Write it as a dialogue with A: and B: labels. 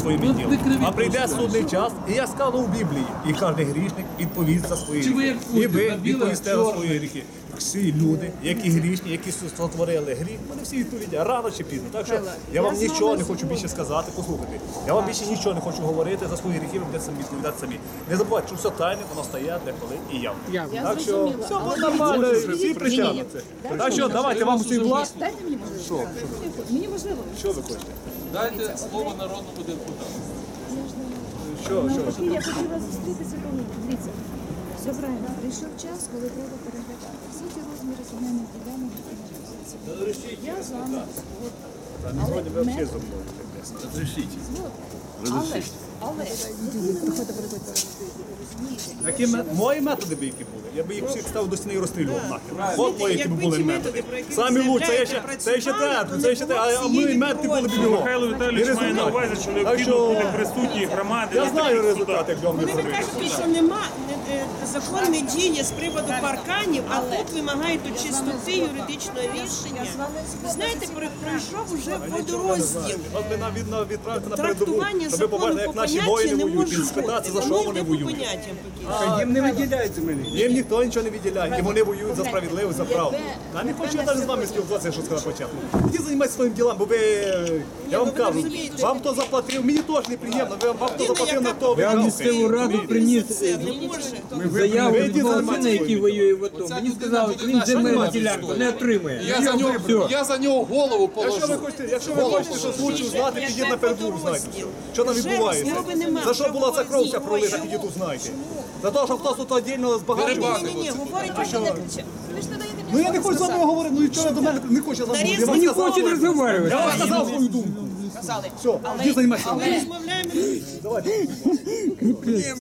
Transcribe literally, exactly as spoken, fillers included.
A: своїми ділами. А прийде судний час, і я сказав у Біблії, і кожен грішник відповість за свої гріхи. І ви відповісте за свої гріхи. Всі люди, які грішні, які сотворили гріх, вони всі відповідають рано чи пізно. Так що я вам нічого не хочу більше сказати, послухайте. Я вам більше нічого не хочу говорити, за свої гріхи ви будете самі відповідати самі. Не забувайте, що все тайне, воно стає деколи і явно. Так що все буде нормально, всі притягнуться. Так що давайте вам усім влад.
B: Дайте мені можливо.
A: Що?
B: Мені можливо.
A: Що ви хочете?
C: Дайте слово народному депутату.
A: Що, що?
B: Я хотіла зустрітися, коли, дивіться, все правильно, прийшов час, коли треба переглядати всі ті розміри земельних ділянок, які на Я з вами згодна. Але метод- згодна. Але, але,
A: Які ме- мої методи би які були? Я би їх всіх ставив до стіни і розстрілював нахер. От мої які б були методи. Самі лучші, це ще це ще те, це ще те, а мої методи були б його.
D: Михайло Віталійович має на увазі, що
A: Так
D: необхідно
A: що
D: бути присутні громади.
A: я знаю результат, як вам не
E: Ви
A: зробити.
E: кажете, що нема е, е, закон не діє з приводу парканів, а тут вимагають у чистоти юридичного рішення. Знаєте, про- пройшов уже водорозділ.
A: От ви нам відно відправити на передову,
E: Трактування
A: щоб ви побачили,
E: закону
A: як
E: по
A: наші
E: поняттям
A: воїни
E: не
A: воюють, і
E: може
A: спитати, за
E: бути.
A: що
E: Воно
A: вони
E: йде по
A: воюють.
E: поняттям поки.
F: Їм не виділяють землі.
A: Їм ніхто нічого не відділяє, і вони воюють за справедливість, за правду. Та не хочу я навіть з вами спілкуватися, що сказав спочатку. Іди займайтеся своїм ділом, бо ви, я вам кажу, вам хто заплатив, мені теж неприємно, ви- вам хто заплатив, на то ви
F: Я в
A: гавкаєте.
F: місцеву раду приніс
E: Це не може.
F: заяву
A: ви
F: від
A: йдіть
F: мого
A: займайтеся
F: сина, який
A: своїм
F: воює в АТО. Мені сказали, що він земельну ділянку не отримує.
C: Я за нього, я за нього голову
A: Якщо ви
C: положу.
A: хочете, якщо ви хочете щось лучше знати, підіть на передову, знайте. Що там
E: Вже
A: відбувається?
E: розмови нема.
A: За що була ця кров вся
E: Чому?
A: пролита, підіть узнайте. За те, що хтось тут віддільно збагачував.
E: Ні, ні, ні, говорить, що не
B: ви ж не даєте мені
A: Ну я не хочу з вами говорити, ну і чого ви до мене не хоче замовити? Я вам
F: Не
A: сказав,
F: хоче розмовляти.
A: я вам сказав свою думку. Все, іди займайся.
E: розмовляємо.
A: Давайте.